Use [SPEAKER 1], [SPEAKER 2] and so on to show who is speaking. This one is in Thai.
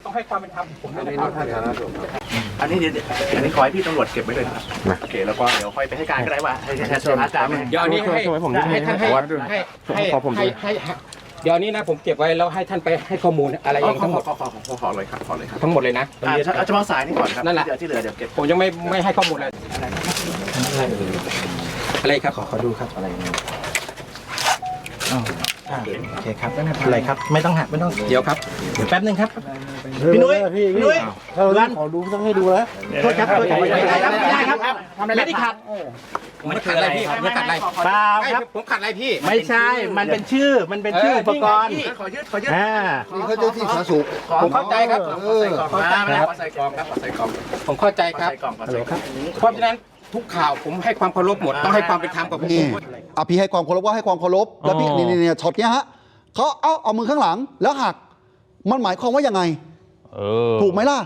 [SPEAKER 1] ต้องให้ความเป็นธรรมผมด้วย
[SPEAKER 2] อัน
[SPEAKER 1] นะ
[SPEAKER 2] นี้
[SPEAKER 1] ครับ
[SPEAKER 2] ท่านอันนี้อันนี้ขอให้พี่ตำรวจเก็บไว้เลยนะครับโอเคแล้วก็เดี๋ยวค่อยไปให้การก็ได้ว่าให้อาจารย์
[SPEAKER 1] เดี๋ยวอันนี้ให้ท่านให้เดี๋ยวนี้นะผมเก็บไว้แล้วให้ท่านไปให้ข้อมูลอะไรเองทั้งหมด
[SPEAKER 2] ขอเลยครับขอเลยครับ
[SPEAKER 1] ทั้งหมดเลยนะ
[SPEAKER 2] เอาเฉพาะสายนี่ก่อนครับ
[SPEAKER 1] นั่นแหละ
[SPEAKER 2] ที่เหลือเดี๋ยวเก็บ
[SPEAKER 1] ผมยังไม่ให้ข้อมูลอะไรอะไรครับขอดูครับอะไร
[SPEAKER 3] โอเคครับไม่เป็นไรครับไม่ต้องหักไม่ต้อง
[SPEAKER 1] เดี๋ยวครับ
[SPEAKER 3] เดี๋ยวแป๊บนึงครับพี่นุ้ยพี่นุ้ย
[SPEAKER 4] ถ้าเราขอดูต้องให้ดูแล้ว
[SPEAKER 3] โทษครับโทษครับไม่ได้ครับไม่ได้ขัด
[SPEAKER 1] ผมขัดอะไรพี่ผมขัดอะไร
[SPEAKER 3] เปล่าครับ
[SPEAKER 1] ผมขัดอะไรพี่
[SPEAKER 3] ไม่ใช่มันเป็นชื่ออุปกรณ์
[SPEAKER 2] ขอยืดขอยืด
[SPEAKER 4] นี่เขาเจ้าที่สาธารณสุข
[SPEAKER 1] ผมเข้าใจครับ
[SPEAKER 2] ขอใส่กล่องครับขอใส่กล่อง
[SPEAKER 1] ผมเข้าใจครับ
[SPEAKER 2] ใส่กล่องขอใส่กล่อง
[SPEAKER 1] เพราะฉะนั้นทุกข่าวผมให้ความเคารพหมดต้องให้ความเป็นธรรมกับผม
[SPEAKER 4] นี่พี่ให้ความเคารพว่าให้ความเคารพแล้วพี่นี่ช็อตเนี้ยฮะเขาเอามือข้างหลังแล้วหักมันหมายความว่ายังไงถูกไหมล่ะ